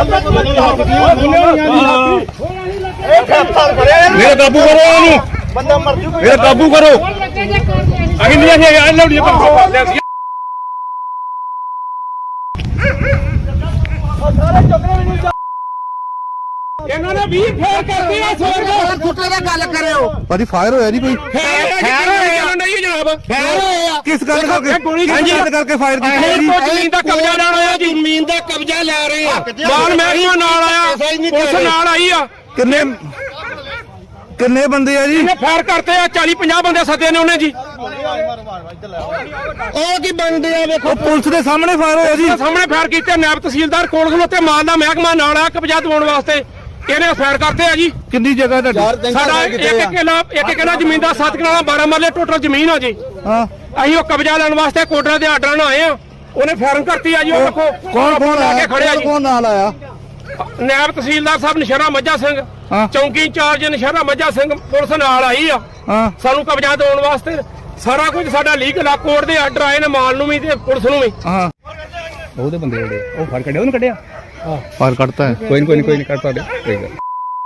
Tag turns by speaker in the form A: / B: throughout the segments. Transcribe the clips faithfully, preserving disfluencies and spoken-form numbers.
A: मेरे काबू करो बंदा मर जू मेरे काबू करो अभी नहीं है यार लो ये सारे चक्कर में नहीं ਇਹਨਾਂ ਨੇ ਵੀ ਫੇਰ ਕਰਦੀ ਆ ਸੋਰ ਕੁੱਤੇ ਦਾ ਗੱਲ ਕਰਿਓ ਭਾਜੀ ਫਾਇਰ ਹੋਇਆ ਨਹੀਂ ਕੋਈ ਫਾਇਰ ਹੋਇਆ ਨਹੀਂ ਜਨਾਬ ਫਾਇਰ ਹੋਇਆ ਕਿਸ ਗੱਲ ਕਰਕੇ ਗੋਲੀ ਕਰਕੇ ਫਾਇਰ ਕੀਤੀ ਜੀ ਜ਼ਮੀਨ ਦਾ ਕਬਜ਼ਾ ਲੈਣ ਆਇਆ ਜੀ ਜ਼ਮੀਨ ਦਾ ਕਬਜ਼ਾ ਲੈ ਰਹੇ ਆ ਮਾਲ ਮਹਿਕਮਾ ਨਾਲ ਆਇਆ ਪੁਲਿਸ ਨਾਲ ਆਈ ਆ ਕਿੰਨੇ ਕਿੰਨੇ ਬੰਦੇ ਆ ਜੀ ਇਹਨੇ ਫਾਇਰ ਕਰਤੇ ਆ ਚਾਲੀ ਪੰਜਾਹ ਬੰਦੇ ਸੱਦੇ ਨੇ ਉਹਨੇ ਜੀ ਉਹ ਕੀ ਬੰਦੇ ਆ ਵੇਖੋ ਪੁਲਿਸ ਦੇ ਸਾਹਮਣੇ ਫਾਇਰ ਹੋਇਆ ਜੀ ਸਾਹਮਣੇ ਫਾਇਰ ਕੀਤੇ ਨਾਇਬ ਤਹਿਸੀਲਦਾਰ ਕੋਲ ਖਲੋਤੇ ਮਾਲ ਦਾ ਮਹਿਕਮਾ ਨਾਲ ਆ ਕਬਜ਼ਾ ਦਿਵਾਉਣ ਵਾਸਤੇ ਇਹਨੇ ਫਾਇਰ ਕਰਤੇ ਆ ਜੀ ਕਿੰਨੀ ਜਗ੍ਹਾ ਤੁਹਾਡੀ ਸਾਡਾ ਇੱਕ ਕਿੱਲਾ ਇੱਕ ਕਿੱਲਾ ਜ਼ਮੀਨ ਦਾ ਸੱਤ ਕਿੱਲਾ ਬਾਰਾਂ ਮਰਲੇ ਟੋਟਲ ਜ਼ਮੀਨ ਆ ਜੀ ਹਾਂ ਅਸੀਂ ਉਹ ਕਬਜ਼ਾ ਲੈਣ ਵਾਸਤੇ ਕੋਟਰਾ ਦੇ ਆਰਡਰਾਂ ਨਾਲ ਆਏ ਆ ਉਹਨੇ ਫਾਇਰ ਕਰਤੀ ਆ ਜੀ ਉਹ ਦੇਖੋ ਕੌਣ ਕੌਣ ਆ ਕੇ ਖੜਿਆ ਜੀ ਕੌਣ ਨਾਲ ਆਇਆ ਨਾਇਬ ਤਹਿਸੀਲਦਾਰ ਸਾਹਿਬ ਨਸ਼ਹਿਰਾ ਮੱਝਾ ਸਿੰਘ ਚੌਂਕੀ ਇੰਚਾਰਜ ਨਸ਼ਹਿਰਾ ਮੱਝਾ ਸਿੰਘ ਪੁਲਿਸ ਨਾਲ ਆਈ ਆ ਸਾਨੂੰ ਕਬਜ਼ਾ ਦਿਵਾਉਣ ਵਾਸਤੇ ਸਾਰਾ ਕੁਝ ਸਾਡਾ ਲੀਗਲ ਆ ਕੋਰਟ ਦੇ ਆਰਡਰ ਆਏ ਨੇ ਮਾਲ ਨੂੰ ਵੀ ਤੇ ਪੁਲਿਸ ਨੂੰ ਵੀ ਹਾਂ ਉਹਦੇ ਬੰਦੇ ਜਿਹੜੇ ਉਹ ਫੜ ਕੱਢਿਆ ਉਹਨੂੰ ਕੱਢਿਆ ਹਾਂ ਫਾਇਰ ਕਰਤਾ ਹੈ ਕੋਈ ਨਹੀਂ ਕੋਈ ਨਹੀਂ ਕੋਈ ਨਹੀਂ ਕੱਢ ਤੁਹਾਡੇ ਕੋਈ ਗੱਲ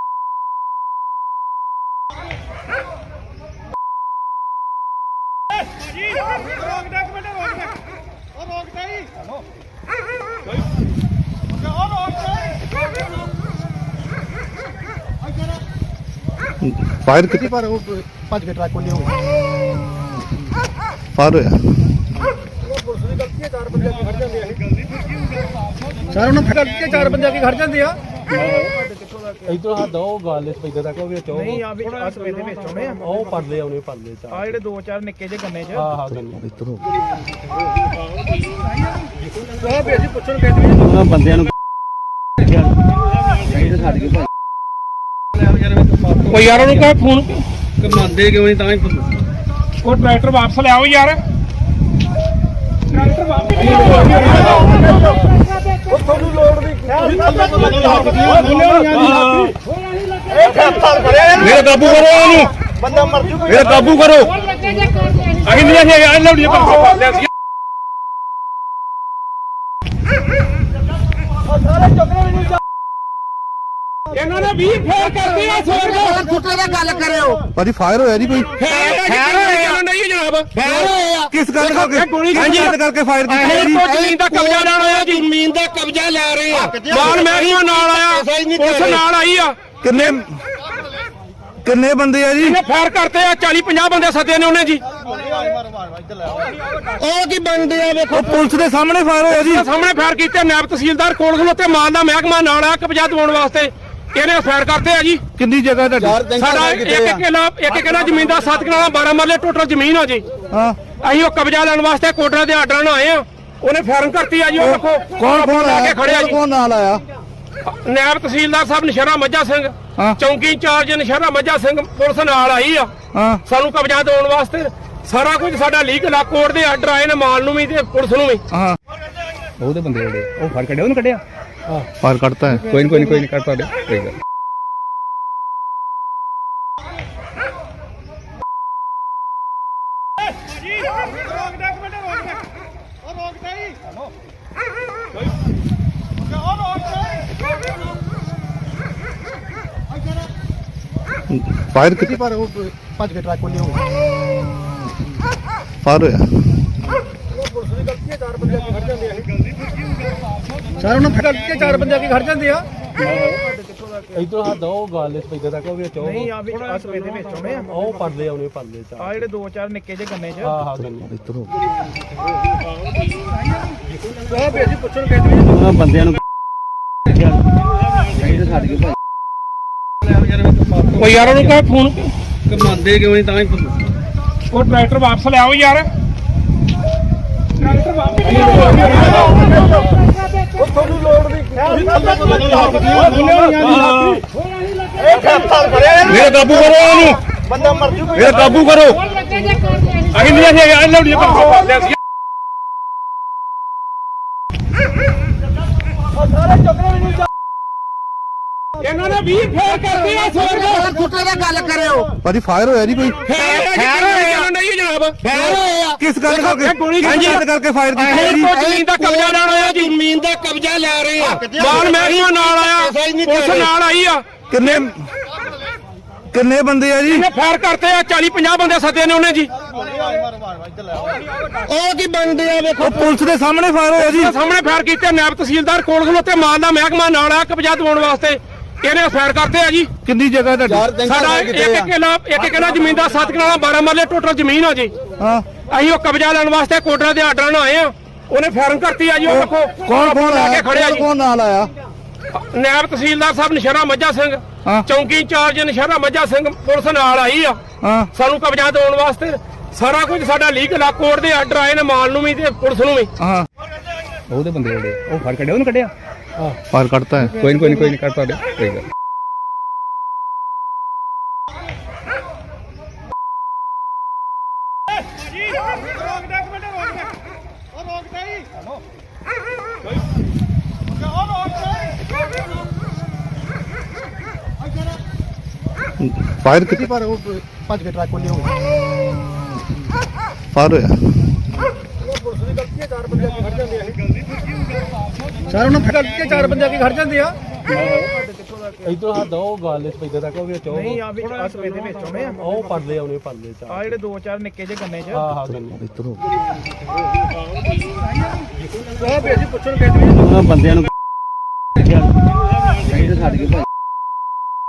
A: फायर कितनी पर वो पांच के ट्रक खोली होगी फायर होया सर उन्होंने फट के चार बंदे की घर जाते आ इधर हां दो गाल इस पैदा तक ਵਿੱਚ ਨਹੀਂ ਆ ਵੀ ਆ ਸਵੇ ਦੇ ਵਿੱਚ ਆਉਣੇ ਆ ਉਹ ਪਰਲੇ ਆਉਣੇ ਪਰਲੇ ਚ ਆ ਜਿਹੜੇ ਦੋ ਚਾਰ ਨਿੱਕੇ ਜਿਹੇ ਗੰਨੇ ਚ ਹਾਂ ਹਾਂ ਗੰਨੇ ਇੱਧਰ ਹੋ ਉਹ ਵੀ ਅਸੀਂ ਪੁੱਛਣ ਗਏ ਤੇ ਉਹਨਾਂ ਬੰਦਿਆਂ ਨੂੰ ਚਾਹੀਦਾ ਛੱਡ ਕੇ ਕੋਈ ਯਾਰ ਉਹਨੂੰ ਕਹੇ ਫੋਨ ਕਮਾਉਂਦੇ ਕਿਉਂ ਨਹੀਂ ਤਾਂ ਹੀ ਉਹ ਟਰੈਕਟਰ ਵਾਪਸ ਲਿਆਓ ਯਾਰ ਟਰੈਕਟਰ ਵਾਪਸ ਉਹ ਤੁਹਾਨੂੰ ਲੋੜ ਨਹੀਂ ਮੇਰੇ ਕਾਬੂ ਕਰੋ ਉਹਨੂੰ ਬੰਦਾ ਮਰ ਜੂ ਮੇਰੇ ਕਾਬੂ ਕਰੋ ਅਹੀਂ ਨਹੀਂ ਹੈ ਯਾਰ लो ये ਸਾਰੇ ਚੁੱਕਣੇ ਵੀ ਨਹੀਂ ਇਹਨਾਂ ਨੇ ਵੀ ਫੇਰ ਕਰਦੀ ਆ ਸੋਰ ਕੁੱਤੇ ਦਾ ਗੱਲ ਕਰਿਓ ਭਾਜੀ ਫਾਇਰ ਹੋਇਆ ਨਹੀਂ ਕੋਈ ਫਾਇਰ ਹੋਇਆ ਨਹੀਂ ਜਨਾਬ ਫਾਇਰ ਹੋਇਆ ਕਿਸ ਗੱਲ ਕਰਕੇ ਗੋਲੀ ਕਰਕੇ ਫਾਇਰ ਕੀਤੀ ਜੀ ਜ਼ਮੀਨ ਦਾ ਕਬਜ਼ਾ ਲੈਣ ਆਇਆ ਜੀ ਜ਼ਮੀਨ ਦਾ ਕਬਜ਼ਾ ਲੈ ਰਹੇ ਆ ਮਾਲ ਮਹਿਕਮਾ ਨਾਲ ਆਇਆ ਪੁਲਿਸ ਨਾਲ ਆਈ ਆ ਕਿੰਨੇ ਕਿੰਨੇ ਬੰਦੇ ਆ ਜੀ ਇਹਨੇ ਫਾਇਰ ਕਰਤੇ ਆ ਚਾਲੀ ਪੰਜਾਹ ਬੰਦੇ ਸੱਦੇ ਨੇ ਉਹਨੇ ਜੀ ਉਹ ਕੀ ਬੰਦੇ ਆ ਵੇਖੋ ਪੁਲਿਸ ਦੇ ਸਾਹਮਣੇ ਫਾਇਰ ਹੋਇਆ ਜੀ ਸਾਹਮਣੇ ਫਾਇਰ ਕੀਤੇ ਨਾਇਬ ਤਹਿਸੀਲਦਾਰ ਕੋਲ ਖਲੋਤੇ ਮਾਲ ਦਾ ਮਹਿਕਮਾ ਨਾਲ ਆ ਕਬਜ਼ਾ ਦਿਵਾਉਣ ਵਾਸਤੇ ਇਹਨੇ ਫਾਇਰ ਕਰਤੇ ਆ ਜੀ ਕਿੰਨੀ ਜਗ੍ਹਾ ਤੁਹਾਡੀ ਸਾਡਾ ਇੱਕ ਕਿੱਲਾ ਇੱਕ ਕਿੱਲਾ ਜ਼ਮੀਨ ਦਾ ਸੱਤ ਕਿੱਲਾ ਬਾਰਾਂ ਮਰਲੇ ਟੋਟਲ ਜ਼ਮੀਨ ਆ ਜੀ ਹਾਂ ਅਸੀਂ ਉਹ ਕਬਜ਼ਾ ਲੈਣ ਵਾਸਤੇ ਕੋਟਰਾ ਦੇ ਆਰਡਰਾਂ ਨਾਲ ਆਏ ਆ ਉਹਨੇ ਫਾਇਰ ਕਰਤੀ ਆ ਜੀ ਉਹ ਦੇਖੋ ਕੌਣ ਕੌਣ ਆ ਕੇ ਖੜਿਆ ਜੀ ਕੌਣ ਨਾਲ ਆਇਆ ਨਾਇਬ ਤਹਿਸੀਲਦਾਰ ਸਾਹਿਬ ਨਸ਼ਹਿਰਾ ਮੱਝਾ ਸਿੰਘ ਚੌਂਕੀ ਇੰਚਾਰਜ ਨਸ਼ਹਿਰਾ ਮੱਝਾ ਸਿੰਘ ਪੁਲਿਸ ਨਾਲ ਆਈ ਆ ਸਾਨੂੰ ਕਬਜ਼ਾ ਦਿਵਾਉਣ ਵਾਸਤੇ ਸਾਰਾ ਕੁਝ ਸਾਡਾ ਲੀਗਲ ਆ ਕੋਰਟ ਦੇ ਆਰਡਰ ਆਏ ਨੇ ਮਾਲ ਨੂੰ ਵੀ ਤੇ ਪੁਲਿਸ ਨੂੰ ਵੀ ਹਾਂ ਉਹਦੇ ਬੰਦੇ ਜਿਹੜੇ ਉਹ ਫੜ ਕੱਢਿਆ ਉਹਨੂੰ ਕੱਢਿਆ ਹਾਂ ਫਾਇਰ ਕਰਤਾ ਹੈ ਕੋਈ ਨਹੀਂ ਕੋਈ ਨਹੀਂ ਕੋਈ ਨਹੀਂ ਕੱਢ ਤੁਹਾਡੇ ਕੋਈ ਗੱਲ फायर कितनी पर वो पांच के ट्रक खोली होगी फायर होया सर उन्होंने फट के चार बंदे की घर जाते आ इधर हां दो गाल इस पैदा तक ਵਿੱਚ ਨਹੀਂ ਆ ਵੀ ਆ ਸਵੇ ਦੇ ਵਿੱਚ ਆਉਣੇ ਆ ਉਹ ਪਰਲੇ ਆਉਣੇ ਪਰਲੇ ਚ ਆ ਜਿਹੜੇ ਦੋ ਚਾਰ ਨਿੱਕੇ ਜਿਹੇ ਗੰਨੇ ਚ ਹਾਂ ਹਾਂ ਗੰਨੇ ਇੱਧਰ ਹੋ ਉਹ ਵੀ ਅਸੀਂ ਪੁੱਛਣ ਗਏ ਤੇ ਉਹਨਾਂ ਬੰਦਿਆਂ ਨੂੰ ਚਾਹੀਦਾ ਛੱਡ ਕੇ ਭਾਈ ਕੋਈ ਯਾਰ ਉਹਨੂੰ ਕਹੇ ਫੋਨ ਕਮਾਉਂਦੇ ਕਿਉਂ ਨਹੀਂ ਤਾਂ ਹੀ ਉਹ ਟਰੈਕਟਰ ਵਾਪਸ ਲਿਆਓ ਯਾਰ ਟਰੈਕਟਰ ਵਾਪਸ ਉਹ ਤੁਹਾਨੂੰ ਲੋੜ ਨਹੀਂ ਮੇਰੇ ਕਾਬੂ ਕਰੋ ਉਹਨੂੰ ਬੰਦਾ ਮਰ ਜੂ ਮੇਰੇ ਕਾਬੂ ਕਰੋ ਅਹੀਂ ਨਹੀਂ ਹੈ ਯਾਰ लो ये ਸਾਰੇ ਚੁੱਕਣੇ ਵੀ ਨਹੀਂ ਇਹਨਾਂ ਨੇ ਵੀ ਫੇਰ ਕਰਦੀ ਆ ਸੋਰ ਕੁੱਤੇ ਦਾ ਗੱਲ ਕਰਿਓ ਭਾਜੀ ਫਾਇਰ ਹੋਇਆ ਨਹੀਂ ਕੋਈ ਫਾਇਰ ਹੋਇਆ ਨਹੀਂ ਜਨਾਬ ਫਾਇਰ ਹੋਇਆ ਕਿਸ ਗੱਲ ਕਰਕੇ ਗੋਲੀ ਕਰਕੇ ਫਾਇਰ ਕੀਤੀ ਜੀ ਜ਼ਮੀਨ ਦਾ ਕਬਜ਼ਾ ਲੈਣ ਆਇਆ ਜੀ ਜ਼ਮੀਨ
B: ਜ਼ਮੀਨ ਦਾ ਕਬਜ਼ਾ ਲੈ ਰਹੇ ਆ।
A: ਮਾਲ ਮਹਿਕਮਾ ਨਾਲ ਆਇਆ, ਪੁਲਿਸ ਨਾਲ ਆਈ ਆ।
C: ਕਿੰਨੇ ਕਿੰਨੇ ਬੰਦੇ ਆ ਜੀ?
A: ਇਹਨੇ ਫਾਇਰ ਕਰਤੇ ਆ, ਚਾਲੀ ਪੰਜਾਹ ਬੰਦੇ ਸੱਦੇ ਨੇ ਉਹਨੇ ਜੀ।
B: ਉਹ ਕੀ ਬਣਦੇ ਆ ਵੇਖੋ,
C: ਪੁਲਿਸ ਦੇ ਸਾਹਮਣੇ ਫਾਇਰ ਹੋਇਆ ਜੀ।
A: ਸਾਹਮਣੇ ਫਾਇਰ ਕੀਤੇ, ਨਾਇਬ ਤਹਿਸੀਲਦਾਰ ਕੋਲ ਖਲੋਤੇ, ਮਾਲ ਦਾ ਮਹਿਕਮਾ ਨਾਲ ਆ ਕਬਜ਼ਾ ਦਿਵਾਉਣ ਵਾਸਤੇ। ਇਹਨੇ ਫਾਇਰ ਕਰਤੇ ਆ ਜੀ।
C: ਕਿੰਨੀ ਜਗ੍ਹਾ ਤੁਹਾਡੀ?
A: ਸਾਡਾ ਇੱਕ ਕਿੱਲਾ ਇੱਕ ਕਿੱਲਾ ਜ਼ਮੀਨ ਦਾ ਸੱਤ ਕਿੱਲਾ ਬਾਰਾਂ ਮਰਲੇ ਟੋਟਲ ਜ਼ਮੀਨ ਆ ਜੀ।
C: ਹਾਂ,
A: ਅਸੀਂ ਉਹ ਕਬਜ਼ਾ ਲੈਣ ਵਾਸਤੇ ਕੋਟਰਾ ਦੇ ਆਰਡਰ ਨਾਲ ਆਏ ਆ। ਉਹਨੇ ਫਾਇਰਿੰਗ ਕਰਤੀ ਆ ਜੀ। ਉਹ ਦੇਖੋ
C: ਕੌਣ ਕੌਣ
A: ਲਾ ਕੇ
C: ਆਇਆ?
A: ਖੜਿਆ ਜੀ।
C: ਕੌਣ ਨਾਲ ਆਇਆ?
A: ਨਾਇਬ ਤਹਿਸੀਲਦਾਰ ਸਾਹਿਬ ਨਸ਼ਹਿਰਾ ਮੱਝਾ ਸਿੰਘ,
C: ਹਾਂ।
A: ਚੌਂਕੀ ਇੰਚਾਰਜ ਨਸ਼ਹਿਰਾ ਮੱਝਾ ਸਿੰਘ, ਪੁਲਿਸ ਨਾਲ ਆਈ ਆ
C: ਹਾਂ,
A: ਸਾਨੂੰ ਕਬਜ਼ਾ ਦਿਵਾਉਣ ਵਾਸਤੇ। ਸਾਰਾ ਕੁਝ ਸਾਡਾ ਲੀਗਲ ਆ, ਕੋਰਟ ਦੇ ਆਰਡਰ ਆਏ ਨੇ ਮਾਲ ਨੂੰ ਵੀ ਤੇ ਪੁਲਿਸ ਨੂੰ ਵੀ।
C: ਹਾਂ।
D: ਉਹਦੇ ਬੰਦੇ ਜਿਹੜੇ ਉਹ ਫੜ ਕੱਢਿਆ ਉਹਨੂੰ ਕੱਢਿਆ
C: ਫਾਇਰ ਕੱਢਤਾ ਹੈ।
D: ਕੋਈ ਨਹੀਂ ਕੋਈ ਨਹੀਂ ਕੋਈ ਨਹੀਂ ਕੱਢ ਤੁਹਾਡੇ ਕੋਈ ਗੱਲ
C: ਫਾਇਰ ਕਿੱਥੇ?
B: ਪਰ ਉਹ ਭੱਜ ਕੇ ਟਰੱਕ ਕੋਲ ਹੋ
C: ਫਾਇਰ ਹੋਇਆ।
B: ਸਰ ਉਹਨਾਂ ਫੜ ਕੇ ਚਾਰ ਬੰਦੇ ਆ ਕੇ ਖੜ ਜਾਂਦੇ ਆ।
E: ਇਧਰ ਹੱਥ ਉਹ ਗੱਲ ਇਸ ਪੈਦੇ ਤੱਕ ਉਹ ਵਿੱਚ ਉਹ
B: ਨਹੀਂ ਆ ਵਿੱਚ ਆਸ ਪੇਦੇ ਵਿੱਚ ਆਉਣੇ ਆ।
E: ਉਹ ਪਰਲੇ ਆਉਣੇ ਪਰਲੇ ਚ
B: ਆ ਜਿਹੜੇ ਦੋ ਚਾਰ ਨਿੱਕੇ ਜਿਹੇ ਗੰਨੇ ਚ।
E: ਹਾਂ ਹਾਂ ਗੰਨੇ
C: ਇੱਧਰ ਹੋ।
B: ਉਹ ਭੇਜੀ ਪੁੱਛਣ ਗਏ
E: ਉਹਨਾਂ ਬੰਦਿਆਂ ਨੂੰ